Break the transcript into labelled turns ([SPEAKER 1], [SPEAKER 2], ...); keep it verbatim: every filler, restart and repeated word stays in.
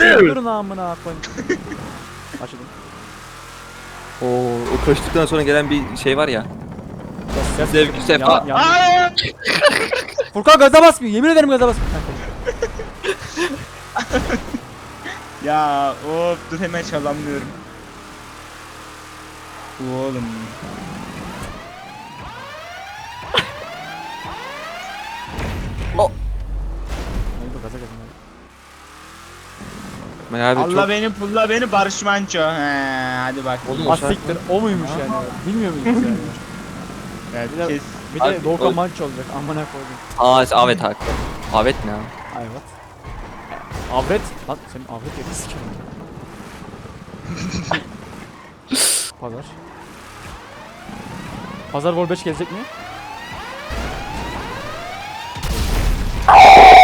[SPEAKER 1] başlayın. Durun amına koyayım. Başladım.
[SPEAKER 2] Oo, o koştuktan sonra gelen bir şey var ya.
[SPEAKER 1] Ses-
[SPEAKER 2] Zevk, sefa.
[SPEAKER 1] Ya- ya-
[SPEAKER 3] Aa!
[SPEAKER 1] Furkan gaza basmıyor. Yemin ederim gaza basmıyor.
[SPEAKER 3] Ya of dur hemen çalamıyorum. Oğlum.
[SPEAKER 1] Oldu gaza gaza.
[SPEAKER 2] Ben abi
[SPEAKER 3] Allah
[SPEAKER 2] çok...
[SPEAKER 3] beni pulla beni Barış Manço. He hadi bak.
[SPEAKER 2] Oğlum o şarkı...
[SPEAKER 1] Asiktir. O muymuş yani? Bilmiyor muyuz yani?
[SPEAKER 3] Evet,
[SPEAKER 1] Bir de-
[SPEAKER 3] kes.
[SPEAKER 1] Bir de
[SPEAKER 2] Abi,
[SPEAKER 1] Doğukan
[SPEAKER 2] o-
[SPEAKER 1] Manço olacak. Amına koydum.
[SPEAKER 2] Aa, Avet hakkı. Avet ne abi?
[SPEAKER 1] Ay evet. Avret. Lan senin avret yeri sikerim. Pazar. Pazar Vol beş gelecek mi?